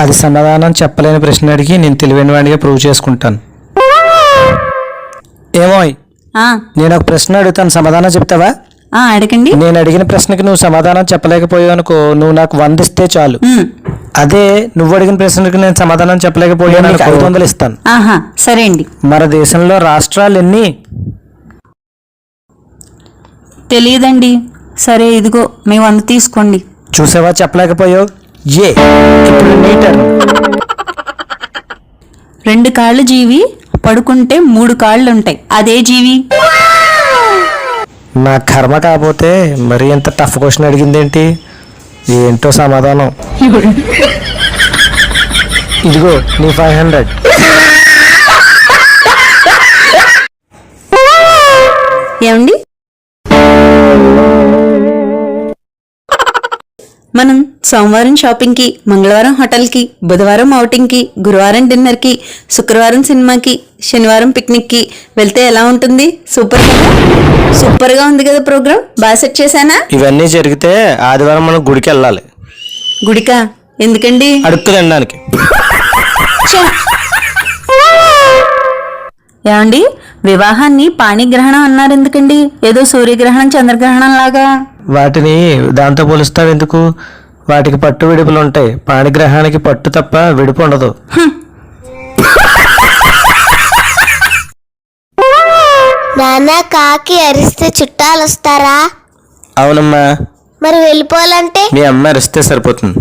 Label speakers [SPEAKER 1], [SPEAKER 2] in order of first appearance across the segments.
[SPEAKER 1] అది సమాధానం చెప్పలేని ప్రశ్న అడిగి నేను తెలివైన వాడిగా ప్రూవ్ చేసుకుంటాను. ఏమో నేను ఒక ప్రశ్న అడుగుతాను, సమాధానం చెప్తావా?
[SPEAKER 2] అడగండి.
[SPEAKER 1] నేను అడిగిన ప్రశ్నకి నువ్వు సమాధానం చెప్పలేకపోయావు అనుకో, నువ్వు నాకు 100 ఇస్తే చాలు. అదే నువ్వు అడిగిన ప్రశ్నకి నేను సమాధానం చెప్పలేకపోయాను, 500 ఇస్తాను.
[SPEAKER 2] సరే అండి.
[SPEAKER 1] మన దేశంలో రాష్ట్రాలు ఎన్ని?
[SPEAKER 2] తెలియదండి. సరే ఇదిగో మీ 100 తీసుకోండి.
[SPEAKER 1] చూసావా, చెప్పలేకపోయావు. ఇప్పుడు నీ టర్న్.
[SPEAKER 2] 2 కాళ్ళు జీవి, పడుకుంటే 3 కాళ్ళు ఉంటాయి, అదే జీవి?
[SPEAKER 1] నా కర్మ కాకపోతే మరి ఎంత టఫ్ క్వశ్చన్ అడిగిందేంటి? ఏంటో సమాధానం. ఇదిగో నీ 500.
[SPEAKER 2] ఏమండి, మనం సోమవారం షాపింగ్కి, మంగళవారం హోటల్కి, బుధవారం ఔటింగ్కి, గురువారం డిన్నర్కి, శుక్రవారం సినిమాకి, శనివారం పిక్నిక్కి వెళ్తే ఎలా ఉంటుంది? సూపర్గా ఉంది కదా ప్రోగ్రామ్. బాగా సెట్ చేశానా?
[SPEAKER 1] ఇవన్నీ జరిగితే ఆదివారం మనం గుడికి వెళ్ళాలి.
[SPEAKER 2] గుడికా? ఎందుకండి?
[SPEAKER 1] అడుక్కు తినడానికి.
[SPEAKER 2] ఏమండి, వివాహాన్ని పాణిగ్రహణం అన్నారు ఎందుకండి? ఏదో సూర్యగ్రహణం చంద్రగ్రహణం లాగా.
[SPEAKER 1] వాటిని దాంతో పోలుస్తావు ఎందుకు? వాటికి పట్టు విడుపులు ఉంటాయి, పాణిగ్రహానికి పట్టు తప్ప విడుపు ఉండదు.
[SPEAKER 3] నాన్న, కాకి అరిస్తే చుట్టాలు వస్తారా?
[SPEAKER 1] అవునమ్మా.
[SPEAKER 3] మరి వెళ్ళిపోవాలంటే?
[SPEAKER 1] మీ అమ్మ అరిస్తే సరిపోతుంది.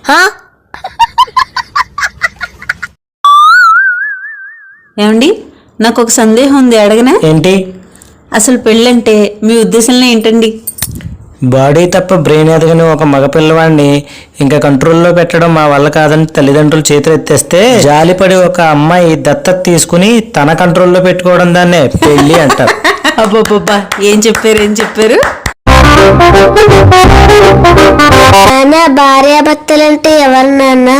[SPEAKER 2] ఏమండి, నాకు ఒక సందేహం ఉంది, అడగనా?
[SPEAKER 1] ఏంటి?
[SPEAKER 2] అసలు పెళ్ళంటే మీ ఉద్దేశంలో ఏంటండి?
[SPEAKER 1] బాడీ తప్ప బ్రెయిన్ ఎదగని ఒక మగపిల్లవాడిని ఇంకా కంట్రోల్లో పెట్టడం మా వల్ల కాదని తల్లిదండ్రులు చేతులు ఎత్తేస్తే జాలిపడి ఒక అమ్మాయి దత్తత తీసుకుని తన కంట్రోల్లో పెట్టుకోవడం దాన్నే పెళ్లి అంటారు.
[SPEAKER 2] అబ్బబ్బబ్బా, ఏం చెప్పారు?
[SPEAKER 3] నాన్న, భార్యాభర్తలంటే ఎవరు నాన్న?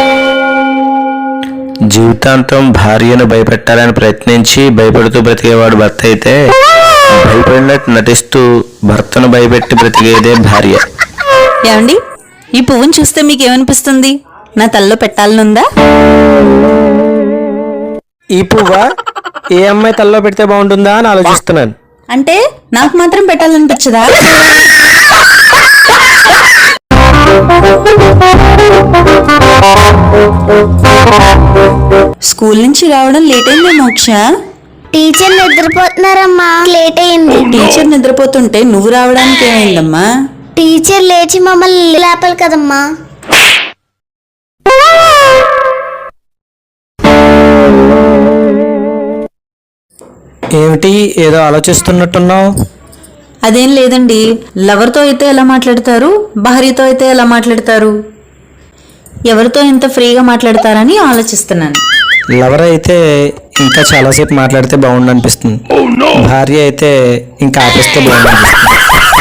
[SPEAKER 1] జీవితాంతం భార్యను భయపెట్టాలని ప్రయత్నించి భయపడుతూ బ్రతికేవాడు భర్త అయితే, భయపడినట్టు నటిస్తూ భర్తను భయపెట్టి బ్రతికేదే భార్య.
[SPEAKER 2] ఏమండి, ఈ పువ్వును చూస్తే మీకు ఏమనిపిస్తుంది? నా తల్లో పెట్టాలనుందా?
[SPEAKER 1] ఈ పువ్వా ఏ అమ్మాయి తల్లో పెడితే బాగుంటుందా అని ఆలోచిస్తున్నాను.
[SPEAKER 2] అంటే నాకు మాత్రం పెట్టాలనిపించదా? స్కూల్ నుంచి రావడం లేట్ అయిందే మోక్ష.
[SPEAKER 3] టీచర్ నిద్రపోతున్నారమ్మా, లేట్ అయింది.
[SPEAKER 2] టీచర్ నిద్రపోతుంటే నువ్వు రావడానికి ఏమైందమ్మా?
[SPEAKER 3] టీచర్ లేచి మమ్మల్ని లేపాలి కదమ్మా.
[SPEAKER 1] ఏమిటి, ఏదో ఆలోచిస్తున్నట్టున్నావు?
[SPEAKER 2] అదేం లేదండి. లవర్తో అయితే ఎలా మాట్లాడతారు, భార్యతో అయితే ఎలా మాట్లాడతారు, ఎవరితో ఇంత ఫ్రీగా మాట్లాడతారని ఆలోచిస్తున్నాను.
[SPEAKER 1] లవర్ అయితే ఇంకా చాలాసేపు మాట్లాడితే బాగుండు అనిపిస్తుంది, భార్య అయితే ఇంకా ఆపేస్తే బాగుండు అనిపిస్తుంది.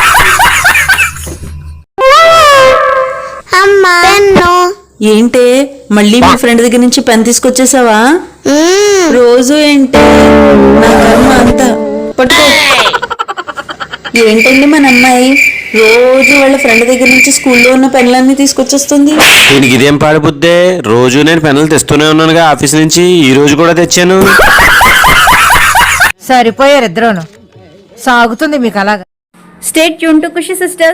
[SPEAKER 3] అమ్మా,
[SPEAKER 2] ఏంటే మళ్ళీ మీ ఫ్రెండ్ దగ్గర నుంచి పెన్ తీసుకొచ్చేసావా? రోజు ఏంటి నా కర్మ అంతా. పట్టుకో. ఏంటండి మన అమ్మాయి రోజు వాళ్ళ ఫ్రెండ్ దగ్గర నుంచి స్కూల్లో ఉన్న పెన్లన్నీ తీసుకొచ్చేస్తుంది.
[SPEAKER 1] దీనికి ఇదేం పాడిపోద్దే, రోజు నేను పెన్నులు తెస్తూనే ఉన్నానుగా ఆఫీస్ నుంచి, ఈ రోజు కూడా తెచ్చాను.
[SPEAKER 4] సరిపోయారు ఇద్దరును, సాగుతుంది మీకు అలాగా.
[SPEAKER 5] Stay tune to Khushi sisters.